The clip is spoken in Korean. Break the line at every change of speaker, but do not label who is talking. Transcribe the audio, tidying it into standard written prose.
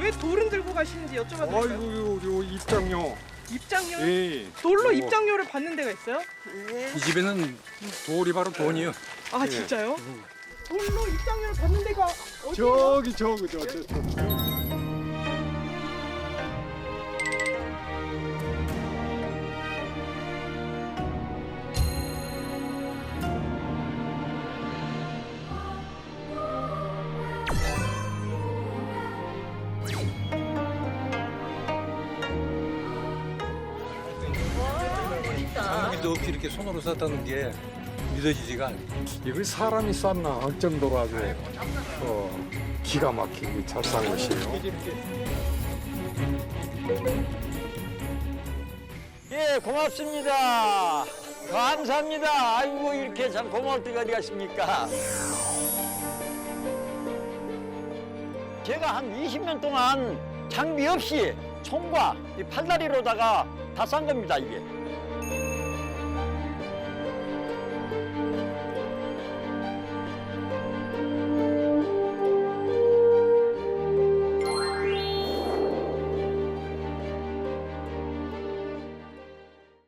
왜 돌은 들고 가시는지 여쭤봐도 될까요?
아이고 요 입장료.
입장료?
예.
돌로
어.
입장료를 받는 데가 있어요?
이 집에는 돌이 바로 돈이요.
아
예.
진짜요? 돌로 입장료를 받는 데가 어디예요?
저기 저.
장비도 없이 이렇게 손으로 쌌다는 게 믿어지지가 않아요.
이거 사람이 쌌나 할 정도로 아주 기가 막히게 잘 싼 것이에요.
예, 고맙습니다. 감사합니다. 아이고, 이렇게 참 고마울 때가 어디 가십니까? 제가 한 20년 동안 장비 없이 손과 이 팔다리로다가 다 싼 겁니다, 이게.